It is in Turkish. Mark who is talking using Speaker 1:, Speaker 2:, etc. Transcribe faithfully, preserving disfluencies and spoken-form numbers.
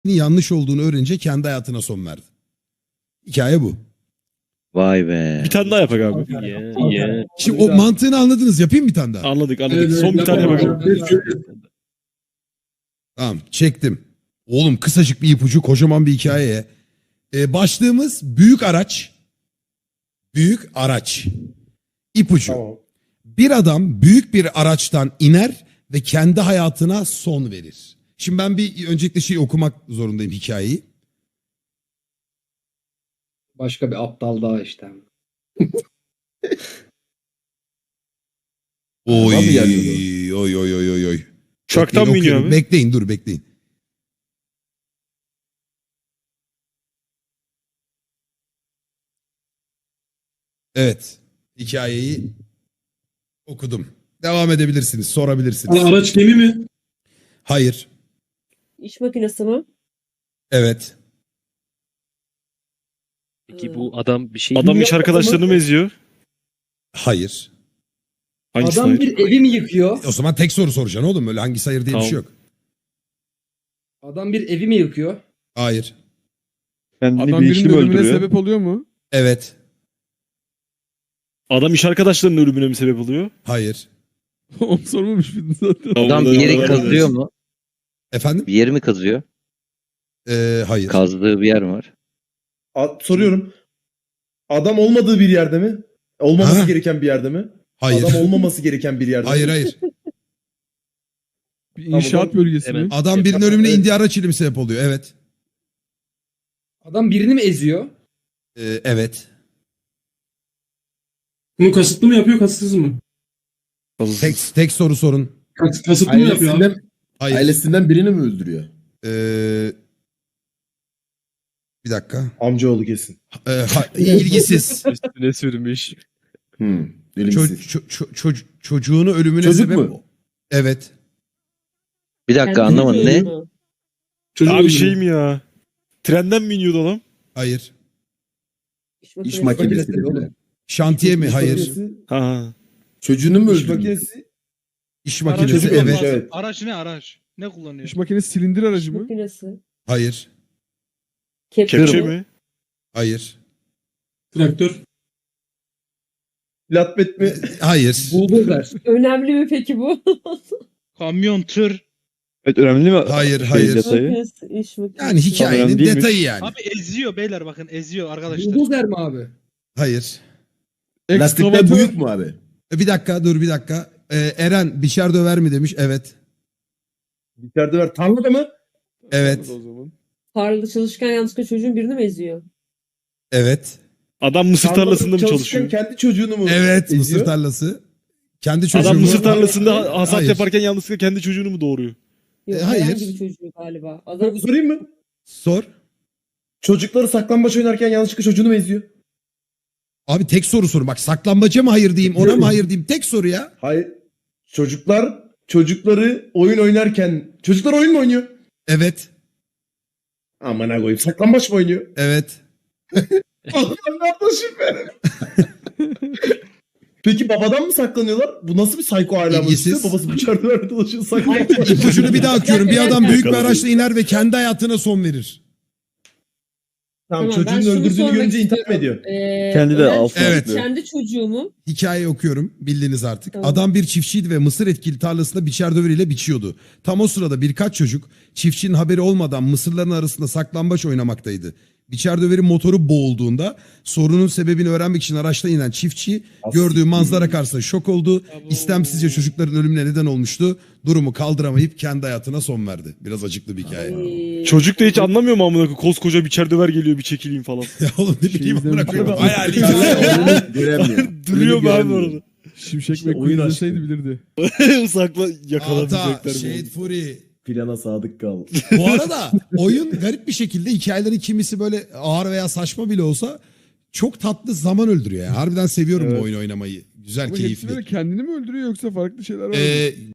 Speaker 1: yanlış olduğunu öğrenince kendi hayatına son verdi. Hikaye bu.
Speaker 2: Vay be.
Speaker 3: Bir tane daha yapak abi.
Speaker 4: Yeah, yeah.
Speaker 1: Şimdi o mantığını anladınız. Yapayım bir tane daha.
Speaker 3: Anladık anladık.
Speaker 5: Evet,
Speaker 3: Son bir tane
Speaker 5: yapalım.
Speaker 3: yapalım.
Speaker 1: Tamam, çektim. Oğlum kısacık bir ipucu, kocaman bir hikayeye. Ee, başlığımız büyük araç. Büyük araç. İpucu.
Speaker 5: Tamam.
Speaker 1: Bir adam büyük bir araçtan iner ve kendi hayatına son verir. Şimdi ben bir öncelikle şeyi okumak zorundayım, hikayeyi.
Speaker 6: Başka bir aptal daha işte.
Speaker 1: Oy
Speaker 5: Adam mı geliyordu?
Speaker 1: oy oy oy oy oy.
Speaker 3: Uçaktan mı
Speaker 1: Bekleyin,
Speaker 3: iniyor
Speaker 1: okuyorum.
Speaker 3: abi?
Speaker 1: Bekleyin, dur bekleyin. Evet. Hikayeyi okudum. Devam edebilirsiniz, sorabilirsiniz.
Speaker 5: Aa, araç gemi mi?
Speaker 1: Hayır.
Speaker 7: İş makinesi mi?
Speaker 1: Evet.
Speaker 4: Peki bu adam bir şey
Speaker 3: Adam iş arkadaşlarını mı eziyor?
Speaker 1: Hayır.
Speaker 3: Hangisi
Speaker 6: Adam
Speaker 3: hayır?
Speaker 6: bir evi mi yıkıyor?
Speaker 1: O zaman tek soru soracaksın oğlum. Öyle hangisi hayır diye bir
Speaker 3: Tamam.
Speaker 1: şey yok.
Speaker 6: Adam bir evi mi yıkıyor?
Speaker 1: Hayır.
Speaker 2: Kendini
Speaker 8: Adam
Speaker 2: bir
Speaker 8: birinin
Speaker 2: işi mi
Speaker 8: ölümüne
Speaker 2: öldürüyor?
Speaker 8: sebep oluyor mu?
Speaker 1: Evet.
Speaker 3: Adam iş arkadaşlarının ölümüne mi sebep oluyor?
Speaker 1: Hayır.
Speaker 8: Onu sormamış mıydın zaten?
Speaker 2: Adam bir yeri kazıyor mu?
Speaker 1: Efendim?
Speaker 2: Bir yeri mi kazıyor?
Speaker 1: Ee, hayır.
Speaker 2: Kazdığı bir yer mi var?
Speaker 5: A- soruyorum. Adam olmadığı bir yerde mi? Olmaması
Speaker 1: Ha?
Speaker 5: gereken bir yerde mi?
Speaker 1: Hayır.
Speaker 5: Adam olmaması gereken bir yerde
Speaker 1: Hayır
Speaker 5: mi?
Speaker 1: hayır.
Speaker 8: Bir inşaat bölgesi mi?
Speaker 4: Evet.
Speaker 1: Adam birinin ölümüne
Speaker 5: Evet.
Speaker 1: indiği araç ile mi sebep oluyor? Evet.
Speaker 6: Adam birini mi eziyor?
Speaker 1: Ee, evet.
Speaker 9: Bunu kasıtlı mı yapıyor, kasıtsız mı?
Speaker 1: Tek, tek soru sorun.
Speaker 9: Kas- kasıtlı mı yapıyor abi?
Speaker 5: Ailesinden,
Speaker 1: Hayır.
Speaker 5: ailesinden birini mi öldürüyor?
Speaker 1: Ee, bir dakika.
Speaker 5: Amcaoğlu kesin.
Speaker 1: Ee, ha- ilgisiz.
Speaker 3: Üstüne sürmüş.
Speaker 5: Hmm.
Speaker 1: Ço-
Speaker 5: Elimsiz.
Speaker 1: ço- ço- ço- çocuğunu ölümüne
Speaker 5: Çocuk
Speaker 1: sebep...
Speaker 5: mu?
Speaker 1: Evet.
Speaker 2: Bir dakika
Speaker 7: Kendi
Speaker 2: anlamadım ne?
Speaker 7: çocuğu mu?
Speaker 9: Çocuğu
Speaker 3: Abi
Speaker 9: öldürüyor.
Speaker 3: şey mi ya? Trenden mi iniyordu adam?
Speaker 1: Hayır.
Speaker 7: İş
Speaker 5: İş
Speaker 7: makinesi.
Speaker 5: makinesi.
Speaker 6: Makinesi oğlum.
Speaker 1: Şantiye mi?
Speaker 5: İş
Speaker 1: Hayır.
Speaker 5: makinesi.
Speaker 3: Ha, Ha.
Speaker 5: Çocuğunu mu
Speaker 10: İş
Speaker 5: öldürüyor?
Speaker 10: makinesi.
Speaker 1: İş
Speaker 10: Araç
Speaker 1: makinesi.
Speaker 5: Çocuk
Speaker 1: Evet.
Speaker 5: olmuş, evet.
Speaker 10: Araç ne araç? Ne kullanıyor?
Speaker 8: İş makinesi silindir aracı
Speaker 7: İş
Speaker 8: mı?
Speaker 7: makinesi.
Speaker 1: Hayır.
Speaker 7: Kepçe.
Speaker 3: Kepçe mi?
Speaker 1: Hayır.
Speaker 9: Traktör.
Speaker 5: Flatbed mi?
Speaker 1: Hayır.
Speaker 6: Buldozer.
Speaker 7: Önemli mi peki bu?
Speaker 10: Kamyon, tır.
Speaker 2: Evet önemli mi?
Speaker 1: Hayır,
Speaker 2: Şey,
Speaker 1: hayır.
Speaker 2: detayı?
Speaker 7: Makinesi, iş makinesi.
Speaker 1: Yani hikayenin
Speaker 2: Önemli değilmiş.
Speaker 1: detayı yani.
Speaker 10: Abi eziyor beyler bakın eziyor arkadaşlar.
Speaker 6: Buldozer mi abi?
Speaker 1: Hayır.
Speaker 5: Lastikler
Speaker 8: Ekskavatör.
Speaker 5: büyük mü abi?
Speaker 1: E, Bir dakika dur bir dakika. Ee, Eren biçer döver mi demiş. Evet.
Speaker 5: İçeride ver. Tarlada mı?
Speaker 1: Evet.
Speaker 8: O zaman.
Speaker 7: Tarlada çalışırken yanlışlıkla çocuğun birini mi eziyor?
Speaker 1: Evet.
Speaker 3: Adam mısır
Speaker 5: Tarlada
Speaker 3: tarlasında mı
Speaker 5: çalışırken
Speaker 3: çalışıyor?
Speaker 5: kendi çocuğunu mu
Speaker 1: Evet.
Speaker 5: eziyor?
Speaker 1: Mısır tarlası. Kendi çocuğu
Speaker 3: Adam
Speaker 1: mu?
Speaker 3: mısır tarlasında ha- hasat
Speaker 1: Hayır.
Speaker 3: yaparken yanlışlıkla kendi çocuğunu mu doğuruyor?
Speaker 7: Yok,
Speaker 1: E, hayır.
Speaker 7: herhangi bir çocuğu galiba. Adam
Speaker 5: Sorayım mı?
Speaker 1: Sor.
Speaker 5: Çocukları saklambaç oynarken yanlışlıkla çocuğunu mu eziyor?
Speaker 1: Abi tek soru soru. Bak saklambaca mı hayır diyeyim, ona mı hayır diyeyim. Tek soru ya.
Speaker 5: Hayır. Çocuklar çocukları oyun oynarken çocuklar oyun mu oynuyor?
Speaker 1: Evet.
Speaker 5: Aman ha koyayım. Saklambaç mı oynuyor?
Speaker 1: Evet.
Speaker 5: Allah'ım yaklaşım benim. Peki babadan mı saklanıyorlar? Bu nasıl bir psycho aile
Speaker 1: İlgisiz.
Speaker 5: işte? Babası bıçakla verdi dolaşıyor saklambaç.
Speaker 1: İpucunu bir daha okuyorum. Bir adam büyük bir
Speaker 3: Yakaladım.
Speaker 1: araçla iner ve kendi hayatına son verir.
Speaker 5: Tamam,
Speaker 7: Tamam, ben
Speaker 5: çocuğun
Speaker 7: şunu
Speaker 5: öldürdüğünü
Speaker 7: sormak
Speaker 5: görünce intihar mı
Speaker 7: istiyorum.
Speaker 5: ediyor?
Speaker 7: Ee,
Speaker 2: Kendi de
Speaker 7: Ömer,
Speaker 2: altına
Speaker 1: Evet.
Speaker 2: atlıyor.
Speaker 7: Kendi çocuğu mu?
Speaker 1: Hikayeyi okuyorum. Bildiniz artık.
Speaker 7: Tamam.
Speaker 1: Adam bir çiftçiydi ve mısır etkili tarlasında biçer döveriyle biçiyordu. Tam o sırada birkaç çocuk çiftçinin haberi olmadan mısırların arasında saklambaç oynamaktaydı. Biçer döveri motoru boğulduğunda sorunun sebebini öğrenmek için araçtan inen çiftçi gördüğü manzara karşısında şok oldu. İstemsizce çocukların ölümüne neden olmuştu. Durumu kaldıramayıp kendi hayatına son verdi. Biraz acıklı bir hikaye.
Speaker 7: Ee,
Speaker 3: Çocuk da hiç anlamıyor mu amına koyayım? Koskoca bir döver geliyor bir çekileyim falan.
Speaker 1: Ya oğlum ne bileyim
Speaker 8: Şey
Speaker 1: amına koyayım.
Speaker 8: izlemiş.
Speaker 1: Hayali hikaye.
Speaker 5: Göremiyor.
Speaker 3: Duruyor mu abi
Speaker 5: göremiyor.
Speaker 3: orada?
Speaker 8: Şimşek
Speaker 5: İşte
Speaker 8: McQueen
Speaker 5: oyun
Speaker 8: izleseydi
Speaker 5: aşkı.
Speaker 8: bilirdi.
Speaker 3: Sakla
Speaker 1: Ata,
Speaker 3: yakalamayacaklar.
Speaker 1: Shade Fury.
Speaker 5: Plana sadık kal.
Speaker 1: Bu arada oyun garip bir şekilde hikayelerin kimisi böyle ağır veya saçma bile olsa çok tatlı zaman öldürüyor. Yani. Harbiden seviyorum
Speaker 8: Evet.
Speaker 1: bu oyunu oynamayı. Güzel,
Speaker 8: Ama hepsi
Speaker 1: keyifli.
Speaker 8: böyle kendini mi öldürüyor yoksa farklı şeyler var mı?
Speaker 1: Ee,